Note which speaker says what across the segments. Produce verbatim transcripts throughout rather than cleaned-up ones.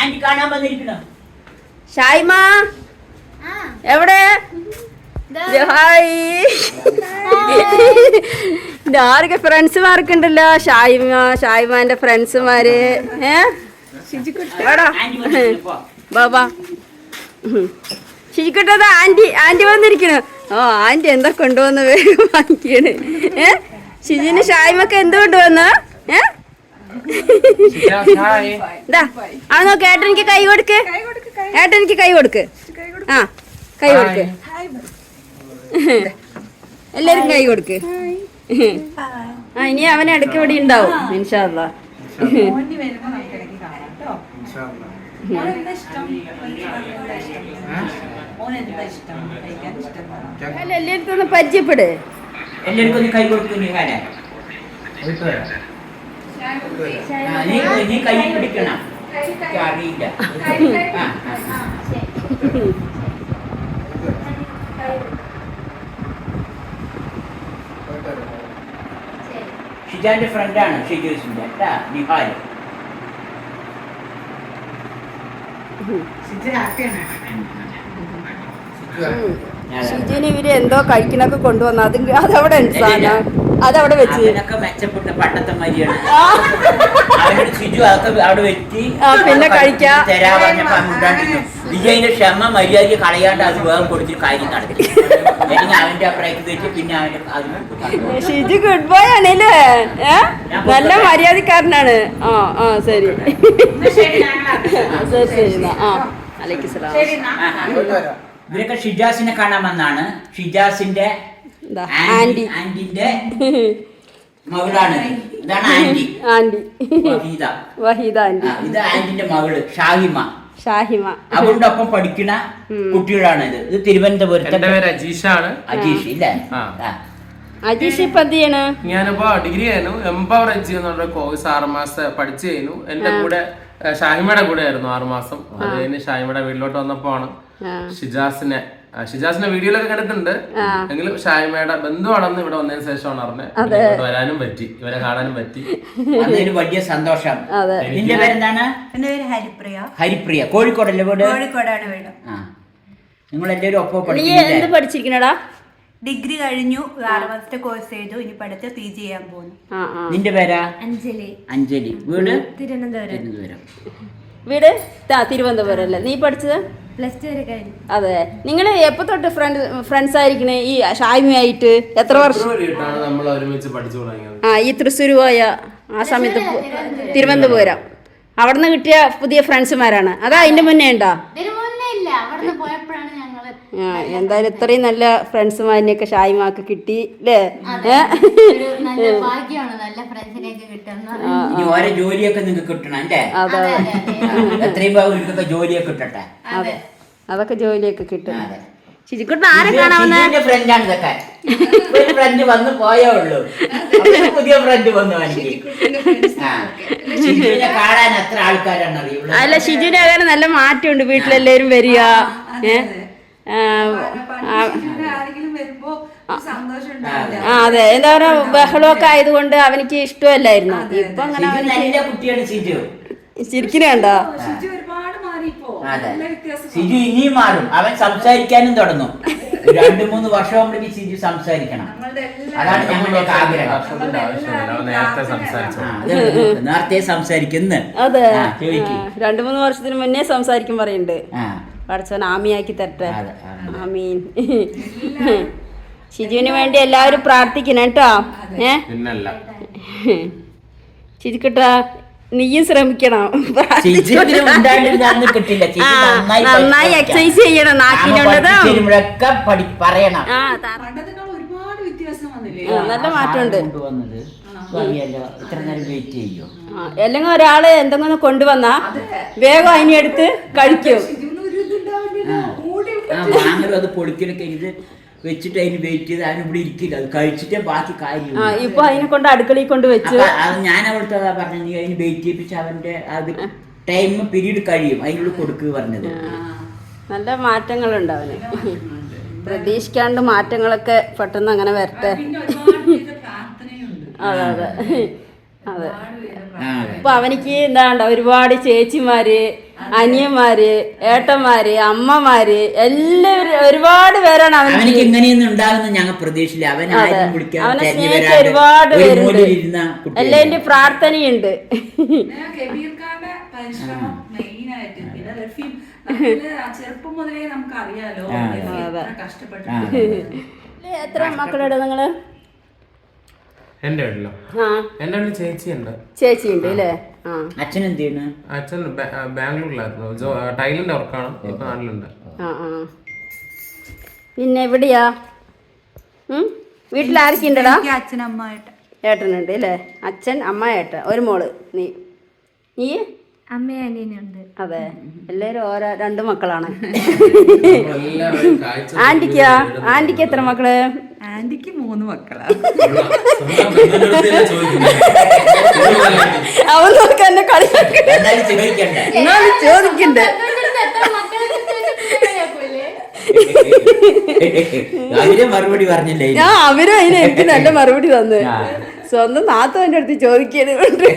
Speaker 1: ഷായ്മ എവിടെ? ഹായ്. ആരൊക്കെ ഫ്രണ്ട്സുമാരൊക്കെ ഉണ്ടല്ലോ? ഷായ്മ, ഷായ്മാന്റെ ഫ്രണ്ട്സുമാര്. ഏ ബാബാ ശിജിക്കുട്ടത് ആന്റി ആന്റി വന്നിരിക്കണു. ഓ ആന്റി എന്താ കൊണ്ടുവന്ന് വേഗം വാങ്ങിക്കണ്. ഏ ഷിജിന് ഷായ്മക്ക് എന്ത് കൊണ്ടുവന്നു? ഏ ആ നോക്ക്, ഏട്ടൻ എനിക്ക് കൈ കൊടുക്ക്, ഏട്ടൻ എനിക്ക് കൈ കൊടുക്ക്. ആ കൈ കൊടുക്ക്, എല്ലാരും കൈ കൊടുക്ക്. ആ ഇനി അവൻ ഇടയ്ക്ക് ഇവിടെ ഉണ്ടാവും ഇൻഷാ അല്ലാ. എല്ലായിടത്തും ഒന്ന് പരിചയപ്പെട്.
Speaker 2: എല്ലാവർക്കും കൈ കൊടുക്കുന്നു. നീ കൈ പിടിക്കണം, അറിയില്ല. ഷിജാന്റെ ഫ്രണ്ടാണ് ഷിജുസിന്റെ കേട്ടാ, നിഹാല്.
Speaker 1: ഷിജുവിന് ഇവര് എന്തോ കഴിക്കണൊക്കെ കൊണ്ടുവന്നു. അത് അതവിടെ സാധനം അതവിടെ വെച്ച്
Speaker 2: മെച്ചപ്പെട്ട പണ്ടത്തെ മരിയാണ്. ഷിജു അതൊക്കെ അവിടെ വെച്ച്
Speaker 1: പിന്നെ കഴിക്കാ
Speaker 2: തരാ പറഞ്ഞപ്പോ വിജയന്റെ ക്ഷമ മര്യാദ കളയാണ്ട് അത് വേഗം കൊടുത്തിട്ട് കാര്യം നടത്തി. അവന്റെ അഭിപ്രായത്തിൽ വെച്ച് പിന്നെ അവന്റെ
Speaker 1: ഷിജു ഗുഡ് ബോയ് ആണല്ലേ? നല്ല മര്യാദക്കാരനാണ്. ആ ആ ശരി ശരി ശരി. ആ അലൈക്കും സലാം.
Speaker 2: ഇവരൊക്കെ ഷിജാസിനെ കാണാൻ വന്നാണ്. ഷിജാസിന്റെ
Speaker 1: ആന്റി
Speaker 2: ആന്റിന്റെ മകളാണ്. ഇതാണ് aunty
Speaker 1: aunty
Speaker 2: Waheeda
Speaker 1: Waheeda aunty.
Speaker 2: ഇത് ആന്റിന്റെ മകള് ഷാഹിമ.
Speaker 1: ഷാഹിമ
Speaker 2: അവരുടെ ഒപ്പം പഠിക്കുന്ന കുട്ടികളാണ്. ഇത് ഇത് തിരുവനന്തപുരത്തെ
Speaker 3: അജീഷാണ്.
Speaker 2: അജീഷ് ഇല്ലേ?
Speaker 1: അജീഷ് ഇപ്പൊ എന്ത് ചെയ്യണ?
Speaker 3: ഞാനിപ്പോ ഡിഗ്രി ആയിരുന്നു. എംപവർ എജ് എന്നുള്ള കോഴ്സ് ആറ് മാസം പഠിച്ചു കഴിഞ്ഞു. എന്റെ കൂടെ ഷാഹിമയുടെ കൂടെ ആയിരുന്നു ആറു മാസം. അത് കഴിഞ്ഞ് ഷാഹിമയുടെ വീട്ടിലോട്ട് വന്നപ്പോ ആണ് ഷിജാസിനെ ഷിജാസിന്റെ വീഡിയോയിലൊക്കെ കണ്ടിട്ടുണ്ട്. എങ്കിലും ഷാഹിമയുടെ ബന്ധുവാണെന്ന് ഇവിടെ വന്നതിന് ശേഷമാണ് അറിഞ്ഞത്. വരാനും പറ്റി, ഇവരെ കാണാനും പറ്റി.
Speaker 2: അതിന് വലിയ സന്തോഷം. നിന്റെ പേരെന്താണ്?
Speaker 4: എന്റെ പേര് ഹരിപ്രിയ.
Speaker 2: ഹരിപ്രിയ. കോഴിക്കോടല്ലേ വീട്?
Speaker 4: കോഴിക്കോടാണ് വീട്.
Speaker 2: നിങ്ങൾ എല്ലാവരും ഒപ്പം
Speaker 1: എന്ത് പഠിച്ചിരിക്കണടാ?
Speaker 4: ഡിഗ്രി കഴിഞ്ഞു, ആറ് മാസത്തെ കോഴ്സ് ചെയ്തു. ഇനി പഠിച്ച പി ജി ചെയ്യാൻ പോകുന്നു.
Speaker 2: നിന്റെ പേരാ?
Speaker 4: അഞ്ജലി.
Speaker 2: അഞ്ജലി. വീട്
Speaker 4: തിരുവനന്തപുരം.
Speaker 2: തിരുവനന്തപുരം.
Speaker 1: വീട് തിരുവനന്തപുരം അല്ലേ? നീ പഠിച്ചത്?
Speaker 4: പ്ലസ് ടു വരെ കഴിഞ്ഞു.
Speaker 1: അതെ. നിങ്ങള് എപ്പോ തൊട്ട് ഫ്രണ്ട് ഫ്രണ്ട്സ് ആയിരിക്കണേ? ഈ ഷായ്മയായിട്ട് എത്ര വർഷം?
Speaker 3: നമ്മൾ ഒരുമിച്ച് പഠിച്ചു തുടങ്ങിയത്.
Speaker 1: ആ ഈ തൃശ്ശൂർ പോയ ആ സമയത്ത് തിരുവനന്തപുരം അവിടുന്ന് കിട്ടിയ പുതിയ ഫ്രണ്ട്സുമാരാണ്. അതാ അതിന്റെ മുന്നേ ഉണ്ടോ? ആ എന്തായാലും ഇത്രയും നല്ല ഫ്രണ്ട്സുമാരിനെയൊക്കെ ഷായ്മാക്ക് കിട്ടി അല്ലേ?
Speaker 2: ഓരോ ജോലിയൊക്കെ നിങ്ങൾക്ക് കിട്ടണം അല്ലേ?
Speaker 1: അതെ
Speaker 2: എത്രയും ഭാഗം ജോലിയൊക്കെ കിട്ടട്ടെ.
Speaker 1: അതെ അതൊക്കെ ജോലിയൊക്കെ കിട്ടും. ശിജിക്കുട്ടൻ ആരെ കാണാവുന്ന
Speaker 2: ഫ്രണ്ടാണ് ഇതൊക്കെ. ഒരു ഫ്രണ്ട് വന്ന് പോയേ ഉള്ളൂ, പുതിയ ഫ്രണ്ട് വന്നു. ഷിജുവിനെ കാണാൻ എത്ര ആൾക്കാരാണ് അറിയുള്ളൂ.
Speaker 1: അല്ല ഷിജുവിന്റെ അങ്ങനെ നല്ല മാറ്റമുണ്ട്. വീട്ടിലെല്ലാവരും വരിക. ആ അതെ എന്താ പറയാ, ബഹളമൊക്കെ ആയതുകൊണ്ട് അവനിക്ക് ഇഷ്ടമല്ലായിരുന്നു. ഇപ്പൊ അങ്ങനെ
Speaker 2: കുട്ടിയാണ് ഷിജു.
Speaker 1: ശരിക്കും കണ്ടോ?
Speaker 2: ഷിജു ഇനിയും മാറും. അവൻ സംസാരിക്കാനും തുടങ്ങും. രണ്ടു മൂന്ന് വർഷം ഷിജു സംസാരിക്കണം. അതാണ് ഞങ്ങളുടെ ആഗ്രഹം. നേരത്തെ സംസാരിക്കുന്നു.
Speaker 1: അതെ രണ്ടു മൂന്ന് വർഷത്തിന് മുന്നേ സംസാരിക്കും പറയുന്നുണ്ട്. പഠിച്ചവൻ ആമിയാക്കി തരട്ടെ. ആമീൻ. ഷിജുവിന് വേണ്ടി എല്ലാവരും പ്രാർത്ഥിക്കണം കേട്ടോ. ഏ ഷിജുക്കുട്ട നീയും ശ്രമിക്കണം, നന്നായി എക്സസൈസ് ചെയ്യണം. നാക്കിനുള്ളത്
Speaker 2: പറയണം.
Speaker 1: നല്ല മാറ്റമുണ്ട്.
Speaker 2: ഇത്ര നേരം വെയിറ്റ് ചെയ്യോ?
Speaker 1: അല്ലെങ്കിൽ ഒരാള് എന്തെങ്കിലും കൊണ്ടുവന്നാ വേഗം അതിനെടുത്ത് കഴിക്കും.
Speaker 2: വാങ്ങലും അത് പൊളിക്കലൊക്കെ ഇത് വെച്ചിട്ട് അതിന് വെയിറ്റ് ചെയ്ത് അതിന് ഇവിടെ ഇരിക്കില്ല. അത് കഴിച്ചിട്ടേ ബാക്കി കാര്യം.
Speaker 1: ഇപ്പൊ അതിനെ കൊണ്ട് അടുക്കളയിൽ കൊണ്ട് വെച്ചു.
Speaker 2: അത് ഞാൻ അവിടുത്തെ പറഞ്ഞു, നീ അതിന് വെയിറ്റ് ചെയ്യിപ്പിച്ച് അവന്റെ അത് ടൈം പീരീഡ് കഴിയും അതിനുള്ളിൽ കൊടുക്കുക പറഞ്ഞത്.
Speaker 1: നല്ല മാറ്റങ്ങളുണ്ട് അവന്. പ്രതീക്ഷിക്കാണ്ട് മാറ്റങ്ങളൊക്കെ പെട്ടെന്ന് അങ്ങനെ വരട്ടെ. അതെ അതെ അതെ. ഇപ്പൊ അവനിക്ക് എന്താണ്ട ഒരുപാട് ചേച്ചിമാര് അനിയന്മാര്, ഏട്ടന്മാര്, അമ്മമാര് എല്ലാവരും ഒരുപാട് പേരാണ്
Speaker 2: അവനിക്ക്
Speaker 1: അവനിക്ക്.
Speaker 2: ഇങ്ങനെയൊന്നും ഉണ്ടാകുന്ന ഞങ്ങൾ പ്രതീക്ഷിച്ചില്ല. അവൻ ആരും വിളിക്കാൻ
Speaker 1: അവനെ
Speaker 2: തെരഞ്ഞു
Speaker 1: സ്നേഹിച്ച
Speaker 2: വരാതെ
Speaker 1: ഒരുപാട്
Speaker 2: ഒരു
Speaker 1: പേരുണ്ട്.
Speaker 2: മൂലയിലിരുന്ന കുട്ടിയാണ്.
Speaker 1: എല്ലാവരുടെയും പ്രാർത്ഥനയുണ്ട്.
Speaker 5: കബീർക്കാരുടെ പരിശ്രമം മെയിനായിട്ട്. പിന്നെ റഫീം നമ്മള് ആ ചെറുപ്പം മുതലേ നമുക്ക് അറിയാലോ കഷ്ടപ്പെട്ടിട്ടുണ്ട്.
Speaker 1: എത്ര മക്കളുണ്ട് നിങ്ങള്?
Speaker 3: എന്റെ വീട്ടിലോ?
Speaker 1: ആ
Speaker 3: എന്റെ വീട്ടിൽ ചേച്ചിയുണ്ട്.
Speaker 1: ചേച്ചിയുണ്ട് അല്ലേ? ആ
Speaker 2: അച്ഛൻ എന്ത് ചെയ്യുന്നു?
Speaker 3: അച്ഛൻ ബാ- ബാംഗ്ലൂരിലായിരുന്നു. ജോ- ടൈലിന്റെ വർക്കാണ്. ഇപ്പൊ നാട്ടിലുണ്ട്.
Speaker 1: ആ ആ പിന്നെ എവിടെയാ? ഉം? വീട്ടിൽ ആരൊക്കെയുണ്ടടാ?
Speaker 4: എനിക്ക് അച്ഛനമ്മയായിട്ട്
Speaker 1: ഏട്ടനുണ്ട് അല്ലേ? അച്ഛൻ, അമ്മ, ഏട്ടൻ, ഒരു മോള്. നീ നീ
Speaker 6: അമ്മയും അനിയനുണ്ട്.
Speaker 1: അതെ, എല്ലാവരും ഓരോ രണ്ട് മക്കളാണ്.
Speaker 3: നമ്മളെല്ലാവരും കാഴ്ച
Speaker 1: ആന്റിക്കാ? ആന്റിക്ക് എത്ര മക്കള്?
Speaker 5: ആന്റിക്ക് മൂന്ന് മക്കളാ.
Speaker 3: സ്വന്തം ബന്ധുവിനടുത്തല്ലേ ചോദിക്കുന്നത്.
Speaker 1: അവൻ നോക്ക് എന്നെ കളി
Speaker 2: എന്നാലും ചോദിക്കണ്ടേ?
Speaker 1: എന്നാലും ചോദിക്കണ്ടേ?
Speaker 2: അവര് മറുപടി പറഞ്ഞില്ലേ?
Speaker 1: ഞാൻ അവരും അതിന് എനിക്ക് നല്ല മറുപടി തന്നു. സ്വന്തം നാത്തവന്റെ അടുത്ത് ചോദിക്കണ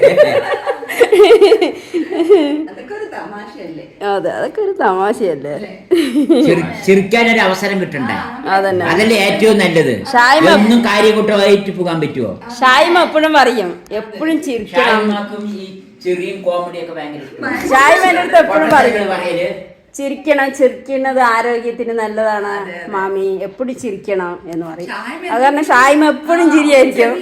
Speaker 5: അതൊക്കെ ഒരു തമാശയല്ലേ?
Speaker 1: അതെ, അതൊക്കെ ഒരു തമാശയല്ലേ?
Speaker 2: ചിരിക്കാൻ ഒരു അവസരം കിട്ടണ്ടേ?
Speaker 1: അതന്നെ.
Speaker 2: അതല്ലേ ഏറ്റവും നല്ലത്.
Speaker 1: ഷായ്മ
Speaker 2: ഒന്നും കാര്യകൂട്ടമായിട്ട് പോകാൻ പറ്റുമോ?
Speaker 1: ഷായ്മ എപ്പോഴും പറയും എപ്പോഴും ചിരിക്കണം.
Speaker 2: ഷായ്മാക്കും ഈ ചെറിയും കോമഡിയൊക്കെ ഭയങ്കര ഇഷ്ടമാണ്.
Speaker 1: ഷായ്മ എൻ്റെ അടുത്ത് എപ്പോഴും പറയും
Speaker 2: പറയല്
Speaker 1: ചിരിക്കണം, ചിരിക്കുന്നത് ആരോഗ്യത്തിന് നല്ലതാണ് മാമി, എപ്പോഴും ചിരിക്കണം എന്ന് പറയും. അത് കാരണം ഷായ്മ എപ്പോഴും ചിരിയായിരിക്കും.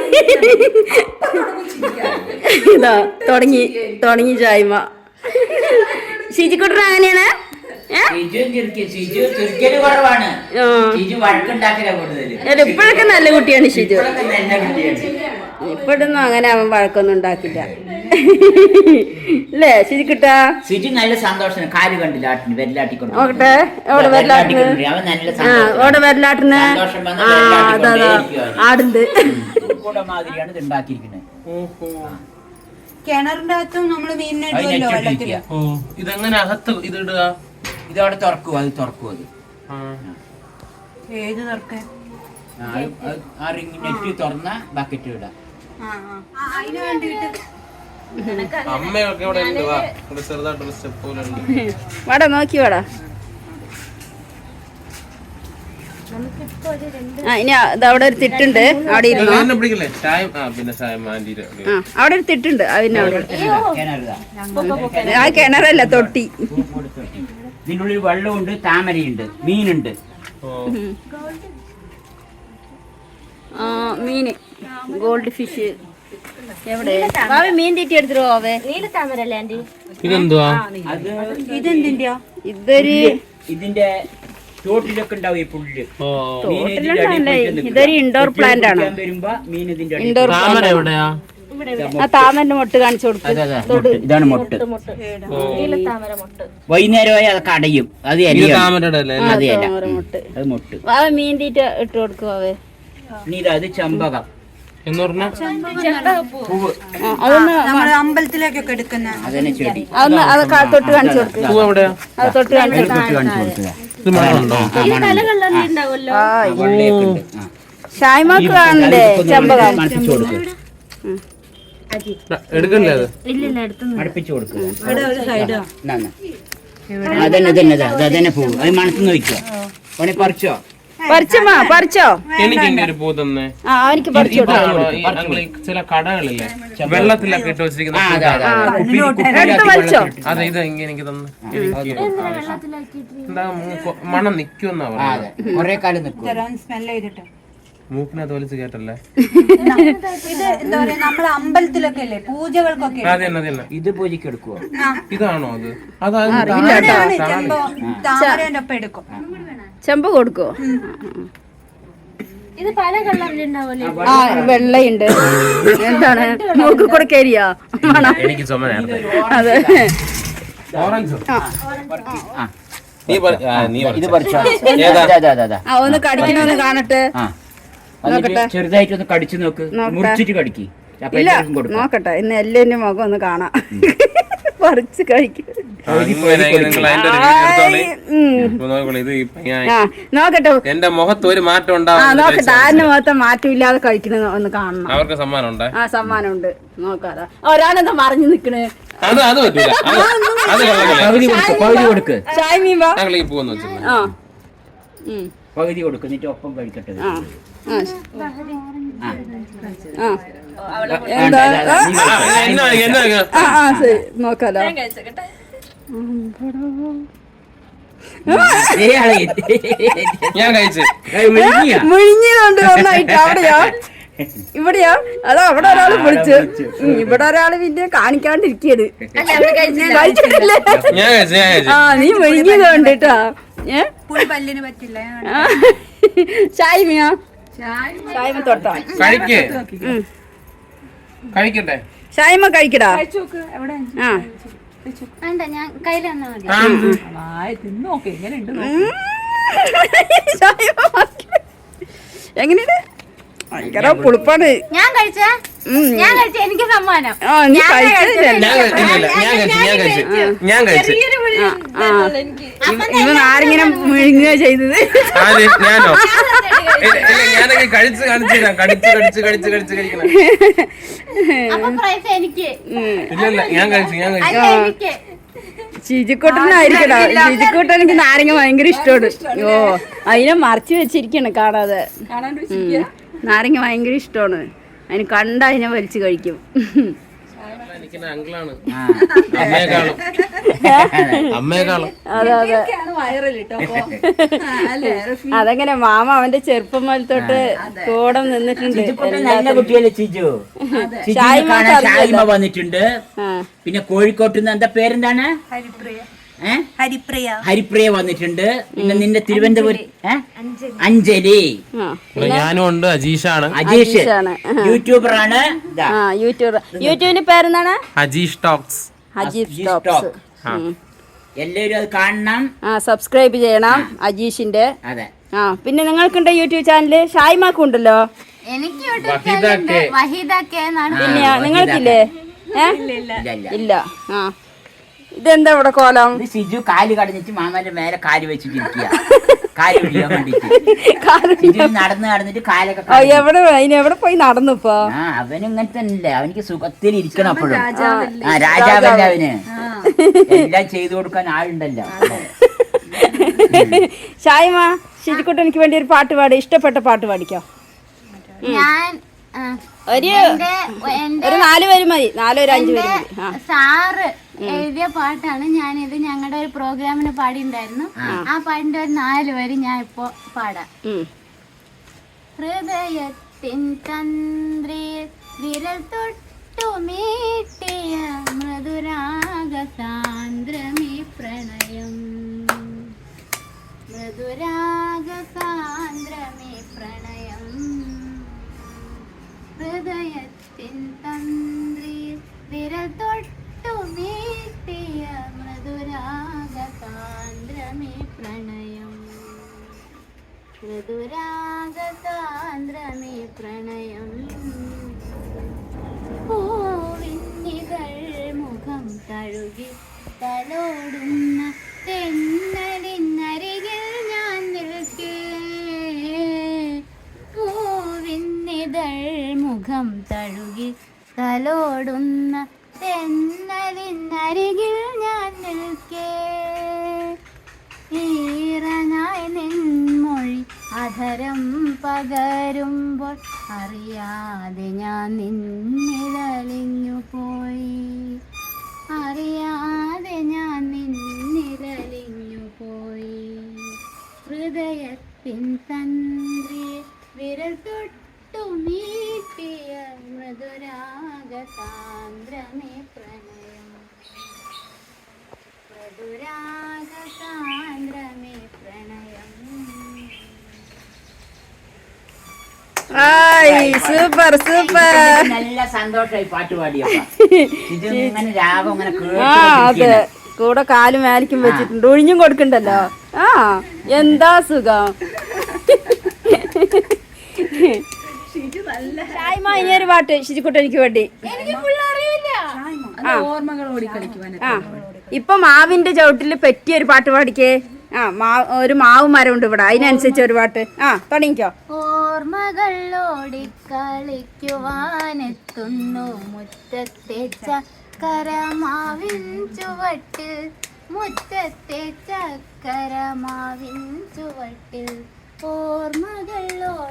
Speaker 1: ഇതാ തുടങ്ങി തുടങ്ങി ഷായ്മ. ഷിജിക്കുട്ടൻ അങ്ങനെയാണ്.
Speaker 2: ഷിജു ചിരിക്കും. ഷിജു ചിരിക്കല് കുറവാണ്. ഷിജു വഴക്കുണ്ടാക്കല കൂടുതല്.
Speaker 1: ഇപ്പോഴൊക്കെ നല്ല കുട്ടിയാണ് ഷിജു.
Speaker 2: ഇപ്പോഴൊക്കെ നല്ല കുട്ടിയാണ്.
Speaker 1: ഇപ്പോഴൊന്നും അങ്ങനെ അവൻ വഴക്കൊന്നും ഉണ്ടാക്കില്ല അല്ലേ ഷിജിക്കുട്ടാ?
Speaker 2: ഷിജു നല്ല സന്തോഷം. കാല് കണ്ടില്ല ആട്ടിന് വെല്ലാട്ടിക്കൊണ്ട്
Speaker 1: നോക്കട്ടെ എവിടെ വരലാട്ടിന്?
Speaker 2: അവൻ നല്ല
Speaker 1: ആ ഓടെ വരലാട്ടിന്.
Speaker 2: സന്തോഷം വന്ന്
Speaker 1: ആ അതാ അതാ ആടുണ്ട്.
Speaker 2: കൂടെ മാതിരിയാണ് ഇത് ഉണ്ടാക്കിയിരിക്കുന്നത്.
Speaker 4: കിണറിന്റെ അകത്തും നമ്മള് മീനിനിടുമല്ലോ വെള്ളത്തില്.
Speaker 3: ഓ ഇതെങ്ങനെ അകത്ത് ഇതിടുക?
Speaker 2: ഇതവിടെ തുറക്കും. അത് തുറക്കും. അത്
Speaker 3: ആ.
Speaker 4: ഏത് തുറക്കാൻ?
Speaker 2: ആ, അത് അത് ആ റിങ് നെറ്റ് തുറന്ന ബക്കറ്റ് ഇടാം.
Speaker 4: ആ ആ അതിന് വേണ്ടിട്ട്
Speaker 3: അമ്മയൊക്കെ ഇവിടെ ഉണ്ട്. വാ, ഇവിടെ ചെറുതായിട്ടൊരു സ്റ്റെപ്പ് പോലെ ഉണ്ട്.
Speaker 1: വാടാ നോക്കി വാടാ. ആ ഇനി ഇത് അവിടെ ഒരു തിട്ടുണ്ട്, അവിടെ ഇരുന്നോ.
Speaker 3: എന്നെ പിടിക്കില്ലേ? ചായ ആ പിന്നെ ചായ മാൻഡിയുടെ
Speaker 1: ആ അവിടെ ഒരു തിട്ടുണ്ട്, അതിന് അവിടെ
Speaker 2: കിണറിതാ.
Speaker 1: ആ കിണറല്ല തൊട്ടി.
Speaker 2: ഇതിൻ്റെ ഉള്ളിൽ വെള്ളമുണ്ട്, താമരയുണ്ട്, മീനുണ്ട്.
Speaker 3: ഓ
Speaker 1: ആ മീന് ഗോൾഡ് ഫിഷ്. എവിടെ വാവേ മീൻ തീറ്റി എടുത്തിട്ട് പോവേ?
Speaker 6: നീലത്താമരല്ലേ ആന്റി?
Speaker 3: ഇതെന്തുവാ?
Speaker 2: അത്
Speaker 4: ഇതെന്തിന്റെയോ?
Speaker 1: ഇതൊരു
Speaker 2: ഇതിന്റെ ചോട്ടിലൊക്കെ ഉണ്ടാവും ഈ പുല്ല്.
Speaker 3: ഓ
Speaker 2: മീൻ ഇതിന്റെ
Speaker 1: തോട്ടിലുണ്ടല്ലേ?
Speaker 2: അടിയിൽ പോയിട്ട് നിൽക്കും.
Speaker 1: ഇതൊരു ഇൻഡോർ പ്ലാന്റ് ആണ്.
Speaker 2: കുളിക്കാൻ വരുമ്പോ മീൻ ഇതിന്റെ അടിയിൽ
Speaker 1: ഇൻഡോർ
Speaker 3: താമര
Speaker 1: പ്ലാന്റ്.
Speaker 3: എവിടെയാ?
Speaker 1: ആ താമരന്റെ മൊട്ട് കാണിച്ചു കൊടുക്കും.
Speaker 2: അതെ, അതെ, മൊട്ട്. ഇതാണ് മൊട്ട്.
Speaker 6: നീലത്താമര മൊട്ട്.
Speaker 2: വൈകുന്നേരമായി അതൊക്കെ അടയും. അത്
Speaker 3: ഇത്
Speaker 2: എലിയാണ്.
Speaker 3: താമരയുടെ അല്ലേ?
Speaker 2: അത് ഇല.
Speaker 1: താമര മൊട്ട്.
Speaker 2: അത് മൊട്ട്.
Speaker 1: വാവേ മീൻ തീറ്റ ഇട്ട് കൊടുക്കുവാവേ.
Speaker 2: ഇനി ഇത് അത് ചെമ്പകം
Speaker 3: എന്ന് പറഞ്ഞാ
Speaker 2: പൂവ്.
Speaker 1: ആ, അതൊന്ന്
Speaker 4: നമ്മള് അമ്പലത്തിലേക്കൊക്കെ എടുക്കുന്ന
Speaker 2: അതന്നെ ചെടി.
Speaker 1: അതൊന്ന് അത് കാ- തൊട്ട് കാണിച്ചു കൊടുക്കുക.
Speaker 3: പൂ എവിടെയാ?
Speaker 1: അത് തൊട്ട് കാണിച്ചു
Speaker 2: അതിൽ തൊട്ട് കാണിച്ചു കൊടുക്കുക.
Speaker 3: ഇത് മണമുണ്ടോ?
Speaker 2: ആ, മണമുണ്ട്.
Speaker 6: ഉണ്ടാവുമല്ലോ.
Speaker 1: ആ
Speaker 2: ആ, വെള്ളയൊക്കെ ഉണ്ട്. ആ.
Speaker 1: ഷായ്മാക്ക് കാണണ്ടേ ചെമ്പകം?
Speaker 2: മണപ്പിച്ചു കൊടുക്കുക.
Speaker 3: എടുക്കണ്ടേ അത്?
Speaker 6: ഇല്ലില്ല എടുത്തു.
Speaker 2: മണപ്പിച്ചു കൊടുക്കുക.
Speaker 4: ഇവിടെ ഒരു സൈഡോ?
Speaker 2: എന്നാ, എന്നാ. അതന്നെ അതന്നെ അതാ. അത് അതന്നെ പൂവ്. അത് മണത്തുനിന്ന് നോക്കിയോ? ഓനെ പറിച്ചോ?
Speaker 1: പറിച്ചമ്മാ പറിച്ചോ?
Speaker 3: എനിക്ക് ഇങ്ങനെ ഒരു പൂ തന്നെ.
Speaker 1: ആ അവനിക്ക് പറിച്ചു കൊടുക്കാം.
Speaker 3: ഇതാണോ ഈ അങ്ങള് ഈ ചില കടകളില്ലേ വെള്ളത്തിലൊക്കെ ഇട്ട് വെച്ചിരിക്കുന്ന
Speaker 2: ആ,
Speaker 3: പൂ?
Speaker 2: അതെ, അതെ, അതെ. കുപ്പിയിൽ- കുപ്പിയിലാക്കി
Speaker 1: എടുത്ത് വലിച്ചോ?
Speaker 2: വെള്ളത്തിലിട്ട്.
Speaker 3: അതെ ഇത് ഇങ്ങനെ എനിക്ക് തന്നെ എനിക്ക് എന്താ മൂക്ക് മണം നിക്കുമെന്നാ
Speaker 2: ആ,
Speaker 3: പറയുന്നത്.
Speaker 2: അതെ. കൊറേ കാലം നിൽക്കും.
Speaker 4: സ്മെല് ചെയ്തിട്ട്
Speaker 3: മൂക്കിനകത്ത് വലിച്ചു കേട്ടല്ലേ?
Speaker 4: ഇത് എന്താ പറയാ, നമ്മള് അമ്പലത്തിലൊക്കെ അല്ലേ പൂജകൾക്കൊക്കെ
Speaker 3: അത് തന്നെ അത് തന്നെ.
Speaker 2: ഇത് പൂജയ്ക്ക് എടുക്കുവോ?
Speaker 3: ഇതാണോ അത്? അതാ
Speaker 4: അങ്ങനെയാണ് ചെമ്പോ താമരേന്റെ ഒപ്പം എടുക്കും.
Speaker 1: ചെമ്പ് കൊടുക്കോ?
Speaker 6: ഇത് പല കളറിലുണ്ടാവുമല്ലോ.
Speaker 1: ആ വെള്ളയുണ്ട്. എന്താണ് മൂക്ക് കൂടെ കരിയാ ആണോ?
Speaker 3: എനിക്ക് ചുമനായിരുന്നു.
Speaker 1: അതെ
Speaker 3: ഓറഞ്ച്
Speaker 2: ആ,
Speaker 3: നീ പറ- ആ, നീ
Speaker 2: ഇത്
Speaker 3: പറിച്ചോ.
Speaker 2: പറിച്ചോ?
Speaker 3: ഏതാ?
Speaker 2: അതെ, അതെ, അതെ, അതെ.
Speaker 1: ആ ഒന്ന് കടിക്കണമെന്ന് കാണട്ടെ.
Speaker 2: ആ. എന്നിട്ട് ചെറുതായിട്ടൊന്ന് കടിച്ചു നോക്ക്. മുറിച്ചിട്ട് കടിക്ക്. അപ്പൊ
Speaker 1: ഇല്ല
Speaker 2: എല്ലാവർക്കും കൊടുക്കാം.
Speaker 1: നോക്കട്ടെ, ഇന്ന് എല്ലാവരുടെ മുഖം ഒന്ന് കാണാം. പറിച്ച് കഴിക്കും.
Speaker 3: അങ്ങനെ നിങ്ങൾ അതിന്റെ ഒരു വീഡിയോ എടുത്തോളി. ഇപ്പൊ നോക്കിക്കോളൂ, ഇത് ഈ പയ്യൻ-
Speaker 1: ആ നോക്കട്ടെ.
Speaker 3: എന്റെ മുഖത്ത് ഒരു മാറ്റം
Speaker 1: ആ
Speaker 3: ഉണ്ടാവും.
Speaker 1: നോക്കട്ടെ, ആരുടെ മുഖത്തെ മാറ്റമില്ലാതെ കഴിക്കണ ഒന്ന് കാണണം.
Speaker 3: അവർക്ക് സമ്മാനം ഉണ്ടേ?
Speaker 1: ആ സമ്മാനം ഉണ്ട്. നോക്കാതെ ഒരാളെന്താ മറിഞ്ഞു നിക്കണ്.
Speaker 3: അത് അത് പറ്റൂല അത് അത് കൊള്ളാം.
Speaker 2: പകുതി കൊടുക്ക് പകുതി കൊടുക്ക്
Speaker 1: ഷായ്മീൻ വാ.
Speaker 3: ഞങ്ങൾ ഈ പോന്ന് വെച്ചിട്ടുണ്ട്.
Speaker 1: ആ ഉം.
Speaker 2: പകുതി കൊടുക്ക് എന്നിട്ട് ഒപ്പം കഴിക്കട്ടെ
Speaker 1: ആ ആ
Speaker 2: ആ.
Speaker 1: ആ എന്താ ആ,
Speaker 3: ആ, എന്നാ എന്നാ
Speaker 1: ആ ആ ശരി നോക്കാലോ.
Speaker 2: ഇയാളെ
Speaker 3: ഞാൻ കഴിച്ചു.
Speaker 2: വിഴുങ്ങിയാ?
Speaker 1: മുഴിഞ്ഞതുകൊണ്ട് നന്നായിട്ട് അവിടെയോ ഇവിടെയോ അതോ അവിടെ ഒരാള് വിളിച്ചു ഉം, ഇവിടെ ഒരാള് പിന്നെ കാണിക്കാണ്ടിരിക്കത് കഴിച്ചിട്ടില്ലേ?
Speaker 3: ഞാൻ കഴിച്ചു ഞാൻ കഴിച്ചു.
Speaker 1: ആ നീ മുഴിഞ്ഞതുകൊണ്ട് കേട്ടോ. ഏ
Speaker 4: പുളി പല്ലിന് പറ്റില്ല.
Speaker 1: ആ. ഷായ്മയോ ഷായ്മ തൊട്ടോ
Speaker 3: കഴിക്കേ കഴിക്കട്ടെ.
Speaker 1: ഷായ്മ കഴിക്കടാ. ആ
Speaker 6: വേണ്ട ഞാൻ കയ്യിൽ തന്നാ മതി.
Speaker 3: ആ,
Speaker 5: തിന്നോക്കെ എങ്ങനെയുണ്ട്
Speaker 1: ഉം. ഷായ്മ മക്കളെ. എങ്ങനെയുണ്ട്? ഭയങ്കര പുളിപ്പാണ്.
Speaker 6: ഞാൻ കഴിച്ച
Speaker 1: ഉം.
Speaker 6: ഞാൻ കഴിച്ച എനിക്ക് സമ്മാനം.
Speaker 1: ആ നീ കഴിച്ചില്ല.
Speaker 3: ഞാൻ കഴിച്ചു ഇല്ല, ഇല്ല, ഞാൻ കഴിച്ചു ഞാൻ കഴിച്ചു ഞാൻ കഴിച്ചു.
Speaker 1: ഇവ നാരങ്ങനെ മുഴുങ്ങുക ചെയ്തത്.
Speaker 3: ആര് ഞാനോ? ഇല്ല, ഇല്ല, ഞാനൊക്കെ കഴിച്ച് കാണിച്ചു തരാം. കടിച്ച് കടിച്ച് കടിച്ച് കടിച്ച് കഴിക്കണം.
Speaker 6: അപ്പൊ പ്രൈസ് എനിക്ക്.
Speaker 3: ഇല്ല ഇല്ല ഞാൻ കഴിച്ചു ഞാൻ കഴിച്ചു.
Speaker 6: അല്ല എനിക്ക്.
Speaker 1: ചിജിക്കൂട്ടനായിരിക്കടാ. ചിജിക്കൂട്ടൻ എനിക്ക് നാരങ്ങ ഭയങ്കര ഇഷ്ടമാണ്. ഓ അതിനെ മറച്ചു വെച്ചിരിക്കണം കാണാതെ. ഉം. നാരങ്ങ ഭയങ്കര ഇഷ്ടമാണ്. അതിന് കണ്ട അതിനെ വലിച്ചു കഴിക്കും.
Speaker 3: എനിക്ക് അങ്കിളാണ് അമ്മയെക്കാളും അമ്മയെക്കാളും.
Speaker 1: അതെ അതെ
Speaker 5: വൈറൽ കേട്ടോ
Speaker 1: അതങ്ങനെ മാമ അവന്റെ ചെറുപ്പം മുതൽ തൊട്ട് കൂടെ നിന്നിട്ടുണ്ട്.
Speaker 2: ചിജുക്കുട്ടൻ നല്ല കുട്ടിയല്ലേ ചിജു? ചിജുവിനെ
Speaker 1: ഷായ്മ
Speaker 2: കാണാൻ
Speaker 1: അറിയില്ല.
Speaker 2: ഷായ്മ വന്നിട്ടുണ്ട്.
Speaker 1: ആ.
Speaker 2: പിന്നെ കോഴിക്കോട്ട് നിന്ന് എന്താ പേരെന്താണ്?
Speaker 4: ഹരിപ്രിയ.
Speaker 2: ഏ
Speaker 4: ഹരിപ്രിയ.
Speaker 2: ഹരിപ്രിയ വന്നിട്ടുണ്ട്. പിന്നെ നിന്റെ തിരുവനന്തപുരം ഏ? അഞ്ജലി.
Speaker 1: ആ.
Speaker 3: ഞാനും ഉണ്ട്. അജീഷാണ്.
Speaker 2: അജീഷ്
Speaker 1: അജീഷാണ്.
Speaker 2: യൂട്യൂബറാണ്. ദാ.
Speaker 1: ആ യൂട്യൂബ് യൂട്യൂബിന്റെ പേരെന്താണ്?
Speaker 3: Ajeesh talks.
Speaker 1: Ajeesh
Speaker 2: Ajeesh
Speaker 1: talks.
Speaker 2: Talk.
Speaker 3: ആ.
Speaker 1: ഉം.
Speaker 2: എല്ലാവരും അത് കാണണം.
Speaker 1: ആ സബ്സ്ക്രൈബ് ചെയ്യണം അജീഷിന്റെ.
Speaker 2: അതെ.
Speaker 1: ആ പിന്നെ നിങ്ങൾക്കുണ്ട് യൂട്യൂബ് ചാനല്. ഷായ്മാക്കും ഉണ്ടല്ലോ.
Speaker 6: എനിക്ക് യൂട്യൂബ്
Speaker 3: വഹീദ
Speaker 6: ചാനലുണ്ട്.
Speaker 3: കെ.
Speaker 6: വഹീദ കെ എന്നാണ്.
Speaker 2: ആ,
Speaker 1: പിന്നെ
Speaker 2: വഹീദ
Speaker 1: നിങ്ങൾക്കില്ലേ? ഏ
Speaker 2: ഇല്ല ഇല്ല
Speaker 1: ഇല്ല. ആ ഇതെന്താ ഇവിടെ കോലം?
Speaker 2: ഇത് സിജു കാല് കടഞ്ഞിട്ട് മാമാന്റെ മേലെ കാല് വെച്ചിട്ടിരിക്കുക. കാല് പിടിക്കാൻ വേണ്ടിട്ട് സിജു നടന്ന് നടന്നിട്ട് കാലൊക്കെ
Speaker 1: ആ, എവിടെ അതിന് എവിടെ പോയി നടന്നു ഇപ്പൊ?
Speaker 2: ആ അവന് ഇങ്ങനെ തന്നെ അവനിക്ക് സുഖത്തിൽ ഇരിക്കണം അപ്പോഴും. ആ രാജാവല്ല അവന്. എല്ലാം ചെയ്തു കൊടുക്കാൻ ആളുണ്ടല്ലോ.
Speaker 1: ഷായ്മ ശരിക്കൂട്ട് എനിക്ക് വേണ്ടി ഒരു പാട്ട് പാടി. ഇഷ്ടപ്പെട്ട പാട്ട് പാടിക്കോ.
Speaker 6: ഞാൻ ആ,
Speaker 1: ഒരു
Speaker 6: എന്റെ എന്റെ
Speaker 1: ഒരു നാല് പേര് മതി. നാലോ ഒരു അഞ്ചു പേര് മതി. ആ
Speaker 6: സാറ് എഴുതിയ പാട്ടാണ്. ഞാനിത് ഞങ്ങളുടെ ഒരു പ്രോഗ്രാമിന് പാടിയിട്ടുണ്ടായിരുന്നു. ആ പാട്ടിന്റെ ഒരു നാല് വരി ഞാൻ ഇപ്പൊ പാടാം.
Speaker 1: ഉം.
Speaker 6: ഹൃദയത്തിൻ തന്ത്രിയിൽ വിരൽ തൊട്ടു മീട്ടിയ മൃദുരാഗ സാന്ദ്രമീ പ്രണയം. മൃദുരാഗ സാന്ദ്രമീ പ്രണയം. ഹൃദയത്തിൻ തന്ത്രിയിൽ വിരൽ തൊട്ടു മീട്ടിയ മൃദുരാഗ സാന്ദ്രമേ പ്രണയം. മൃദുരാഗ സാന്ദ്രമേ പ്രണയം. പൂവിന്നികൾ മുഖം തഴുകി തലോടുന്ന തെന്നലിനരികിൽ ഞാൻ നിൽക്കേ. പൂവിന്നിതൾ മുഖം തഴുകി തലോടുന്ന തെന്നലിനരികിൽ ഞാൻ നിൽക്കേ. ഈറനായി നിൻമൊഴി അധരം പകരുമ്പോൾ അറിയാതെ ഞാൻ നിന്നിലലിഞ്ഞു പോയി. അറിയാതെ ഞാൻ നിന്നിലലിഞ്ഞു പോയി. ഹൃദയത്തിൻ തന്ത്രിയെ വിരൽ തൊട്ടു മീട്ടിയ മൃദുരാഗ സാന്ദ്രമേ പ്രണയം. മൃദുരാഗ സാന്ദ്രമേ പ്രണയം.
Speaker 1: ആയ് സൂപ്പർ സൂപ്പർ.
Speaker 2: നല്ല സന്തോഷമായി പാട്ട് പാടിയപ്പോ. ഇത് ഇങ്ങനെ രാഗം ഇങ്ങനെ
Speaker 1: ആ അതെ
Speaker 2: കേട്ടു.
Speaker 1: കൂടെ കാലും മേലിക്കും വെച്ചിട്ടുണ്ട്. ഒഴിഞ്ഞും കൊടുക്കണ്ടല്ലോ. ആ എന്താ സുഖം. ഷായ്മ ഇനി ഒരു പാട്ട് ശിശുക്കുട്ടൻ എനിക്ക് വേണ്ടി.
Speaker 5: ഓർമ്മകളോടി കളിക്കുവാൻ.
Speaker 1: ആ ഇപ്പൊ മാവിന്റെ ചവിട്ടില് പറ്റിയ ഒരു പാട്ട് പാടിക്കേ. ആ മാ ഒരു മാവ് മരം ഉണ്ട് ഇവിടെ. അതിനനുസരിച്ച് ഒരു പാട്ട്. ആ തുടങ്ങിക്കോ.
Speaker 6: ഓർമ്മകൾ ഓടിക്കളിക്കുവാനെത്തുന്നു മുറ്റത്തെ ചക്കരമാവിൻ ചുവട്ടിൽ മുറ്റത്തെ ചക്കരമാവിൻ ചുവട്ടിൽ ഓർമ്മകൾ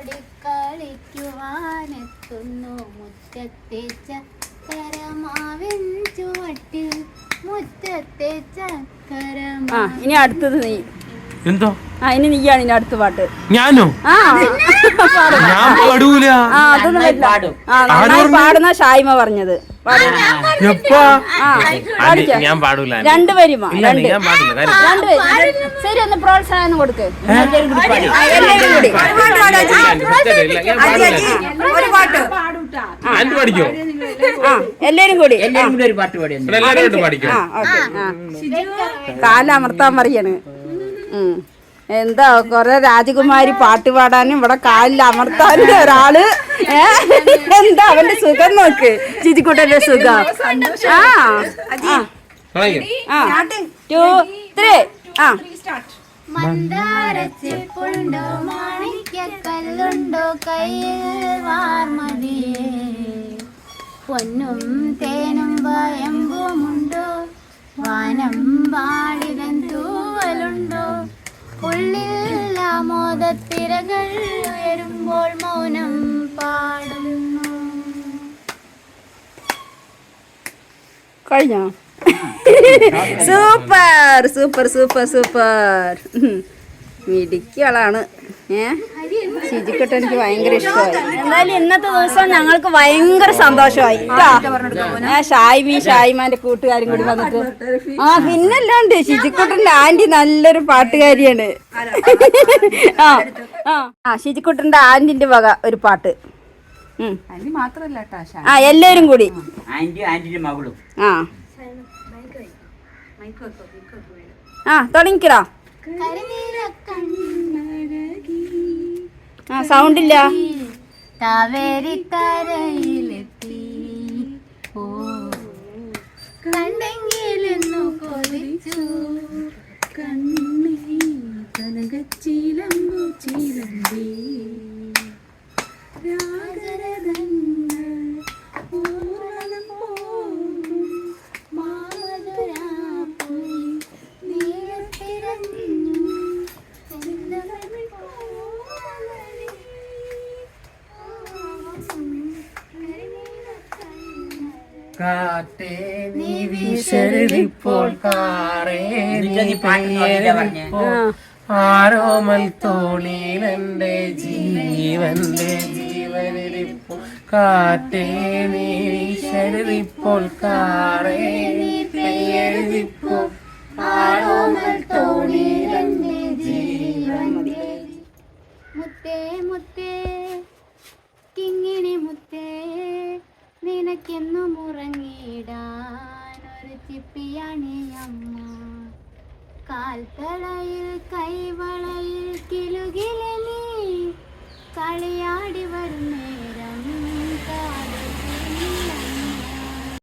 Speaker 6: ഓടിക്കളിക്കുവാനെത്തുന്നു മുറ്റത്തെ ചക്കരമാവിൻ ചുവട്ടിൽ മുറ്റത്തെ
Speaker 1: ആ
Speaker 6: ചക്കരമാവിൻ.
Speaker 1: ഇനി അടുത്തത് നീ.
Speaker 3: എന്തോ
Speaker 1: ആ ഇനി നീയാണ് ഇനി അടുത്ത പാട്ട്.
Speaker 3: ഞാനോ?
Speaker 1: ആ
Speaker 3: ഞാൻ പാടൂല.
Speaker 1: ആ അതൊന്നും പറ്റില്ല.
Speaker 2: പാടും.
Speaker 1: ആ നന്നായി പാടുന്ന ഷായ്മ പറഞ്ഞത്. പാട്.
Speaker 3: എപ്പാ?
Speaker 1: ആ പാടിക്കോ.
Speaker 3: ഞാൻ പാടൂല.
Speaker 1: രണ്ട് വരിമാ.
Speaker 3: ഇല്ല,
Speaker 1: രണ്ട്
Speaker 3: ഞാൻ പാടില്ല. കാര്യം
Speaker 1: രണ്ട് വരി. ശരി ഒന്ന് പ്രോത്സാഹനം കൊടുക്ക്.
Speaker 2: എല്ലാവരും കൂടി പാടി.
Speaker 1: ആ, എല്ലാവരും കൂടി.
Speaker 3: ഇല്ല, ഞാൻ പാടില്ല.
Speaker 4: ഒരു പാട്ട്
Speaker 3: ഞാൻ പഠിക്കോ?
Speaker 1: ആ എല്ലാരും കൂടി.
Speaker 2: എല്ലാവരും കൂടി ഒരു പാട്ട് പാടി.
Speaker 3: ഇവിടെ എല്ലാവരും പഠിക്കോ?
Speaker 1: ആ ഓക്കെ. ആ കാലമർത്താൻ പറയാണ്. ഉം. എന്താ കൊറേ രാജകുമാരി പാട്ട് പാടാനും ഇവിടെ കാലിൽ അമർത്താനും ഒരാള്. ഏ എന്താ അവന്റെ സുഖം നോക്ക്. ചിജിക്കുട്ടന്റെ സുഖം. ആ ആ ടു ത്രീ ആ
Speaker 6: മന്ദാരച്ചെപ്പുണ്ടോ മാണിക്യക്കല്ലുണ്ടോ കയ്യിൽ വാർമതിയേ പൊന്നും തേനും വയമ്പുമുണ്ടോ വാനം വാടിതൻ തൂവലുണ്ടോ ഉള്ളിൽ ആമോദത്തിരകൾ ഉയരുമ്പോൾ മൗനം പാടുന്നു.
Speaker 1: കഴിഞ്ഞോ? Super super super super. മിടിക്കുകളാണ്. ഏ ശിജിക്കുട്ട എനിക്ക് ഭയങ്കര ഇഷ്ടമായി. എന്തായാലും ഇന്നത്തെ ദിവസം ഞങ്ങൾക്ക് ഭയങ്കര സന്തോഷമായി. ഞാൻ ഷായ്മി ഷായ്മാന്റെ കൂട്ടുകാരും കൂടി വന്നിട്ട്. ആ പിന്നല്ലാണ്ട് ശിജിക്കുട്ടന്റെ ആന്റി നല്ലൊരു പാട്ടുകാരിയാണ്. ആ ആ ആ ശിജിക്കുട്ടന്റെ ആന്റിന്റെ വക ഒരു പാട്ട്.
Speaker 5: അതിന് മാത്രല്ല കേട്ടോ
Speaker 1: ആ എല്ലാരും കൂടി.
Speaker 2: ആന്റി ആന്റിന്റെ മകളും.
Speaker 1: ആ ആ തുടങ്ങിക്കടാ. ആ സൗണ്ട് ഇല്ല.
Speaker 6: കാവേരിക്കരയിലെത്തി ഓ കണ്ടെങ്കിലെന്നു കൊതിച്ചു
Speaker 5: കണ്ണീ കനകച്ചീലമ്പു ചീലമ്പി രാഗരതങ്ങൾ ഊർവലം പോകും
Speaker 6: മാമധുരാപ്പുഴി നീലത്തിരഞ്ഞു ചെന്തമിഴ് കോമളി.
Speaker 3: കാറ്റേ നീ വീശരുതിപ്പോൾ കാറേ നീ പെയ്യരുതിപ്പോൾ ആരോമൽ തോളിലെന്റെ ജീവന്റെ ജീവനിരിപ്പോൾ കാറ്റേ നീ വീശരുതിപ്പോൾ കാറേ നീ പെയ്യരുതിപ്പോൾ ആരോമൽ തോളിലെന്റെ ജീവന്റെ.
Speaker 6: മുത്തേ മുത്തേ കിങ്ങിണി മുത്തേ നിനക്കെന്നും ഉറങ്ങിടാൻ ഒരു ചിപ്പിയാണ് അമ്മ. കാൽത്തളയിൽ കൈവളയിൽ കിലുകിലെ നീ കളിയാടി വരുന്നേ